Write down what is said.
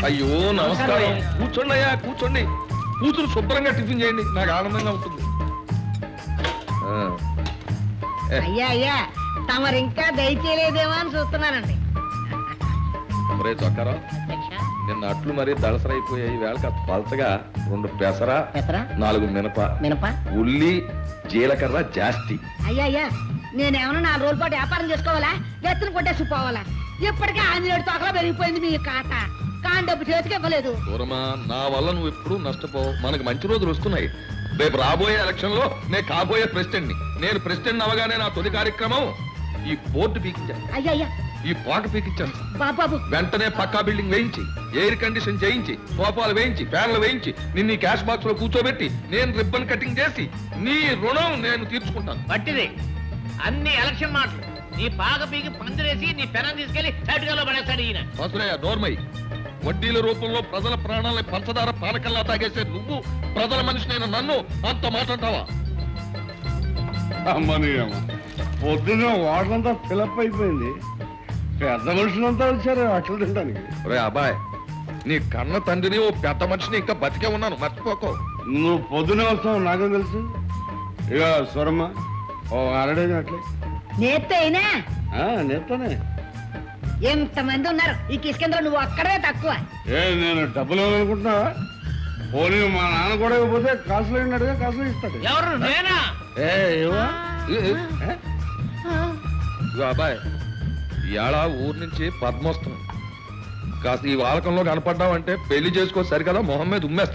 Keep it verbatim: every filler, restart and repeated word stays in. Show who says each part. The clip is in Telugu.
Speaker 1: అయ్యో నమస్కారం. కూర్చోండి అయ్యా, కూర్చోండి. కూతురు శుభ్రంగా టిఫిన్ చేయండి, నాకు ఆనందంగా ఉంటుంది.
Speaker 2: అయ్యా అయ్యా తమరు ఇంకా దయచేయలేదేమో అని చూస్తున్నానండి.
Speaker 1: మరే చొక్కారా, నిన్న అట్లు మరీ దళసరైపోయాయి. వేళ కాస్త పలచగా రెండు పెసర, నాలుగు మినప
Speaker 2: మినప
Speaker 1: ఉల్లి జీలకర్ర జాస్తి.
Speaker 2: అయ్యా అయ్యా నేనేమన్నా నాలుగు రోజుల పాటు వ్యాపారం చేసుకోవాలా, ఎత్తున కొట్టేసి పోవాలా? ఇప్పటికే ఆంజనేయుడు తోకలో పెరిగిపోయింది మీ కాట. కాని డబ్బు చేతికి ఇవ్వలేదు.
Speaker 1: దూరమా, నా వల్ల నువ్వు ఎప్పుడు నష్టపోవు. మనకు మంచి రోజులు వస్తున్నాయి. రేపు రాబోయే ఎలక్షన్ లో నేను కాబోయే ప్రెసిడెంట్ ని. నేను ప్రెసిడెంట్ అవగానే నా తొలి కార్యక్రమం ఈ బోర్డు పీకించాను,
Speaker 2: అయ్యా అయ్యా
Speaker 1: ఈ పాట పీకించాను.
Speaker 2: బాబాబు
Speaker 1: వెంటనే పక్కా బిల్డింగ్ వేయించి, ఎయిర్ కండిషన్ చేయించి, సోఫాలు వేయించి, ఫ్యాన్లు వేయించి, నిన్ను క్యాష్ బాక్స్ లో కూర్చోబెట్టి నేను రిబ్బన్ కటింగ్ చేసి నీ రుణం నేను తీర్చుకుంటాను.
Speaker 3: పట్టిది అన్ని ఎలక్షన్ మాటలు. నీ పాక పీకి పందిరేసి నీ పెనం తీసుకెళ్లి తటుకలో పడేస్తాడు ఈయన.
Speaker 1: వసులయ్య నోర్మై, వడ్డీల రూపంలో ప్రజల ప్రాణాలని పంచదార పానకల్లా తాగేసే నువ్వు ప్రజల మనిషినైన నన్ను అంత మాట్లాడతావా?
Speaker 4: అమ్మని అమ్మ పొద్దున్న వాటంతా ఫిలప్ అయిపోయింది. పెద్ద మనుషులంతా వచ్చారు అట్లు తినడానికి.
Speaker 1: రే అబ్బాయ్, నీ కన్న తండ్రిని ఓ పెద్ద మనిషిని ఇంకా బతికే ఉన్నాను, మర్చిపోకో.
Speaker 4: నువ్వు పొద్దునే వస్తావు నాకేం తెలుసు. ఇక స్వరమ్మ ఓ అరడేది అట్లే
Speaker 2: నేత్తే అయినా
Speaker 4: నేర్తానే.
Speaker 2: ఎంతమంది ఉన్నారు ఈ కిష్కేంద్రం, నువ్వు అక్కడే తక్కువ.
Speaker 4: ఏ నేను డబ్బులు ఇవ్వాలనుకుంటున్నావా? పోనీ మా నాన్న కూడా ఇవ్వకపోతే కాసులు అయినట్టుగా కాసులు ఇస్తాడు.
Speaker 3: ఎవరు నేనా?
Speaker 4: ఏ ఇవ్వా?
Speaker 1: ఇదిగో అబ్బాయ్, ఇవాళ ఊరు నుంచి పద్మొస్తుంది. కాస్త ఈ వాలకంలో కనపడ్డావంటే పెళ్లి చేసుకో సరికదా మొహం మీద ఉమ్మేస్తా.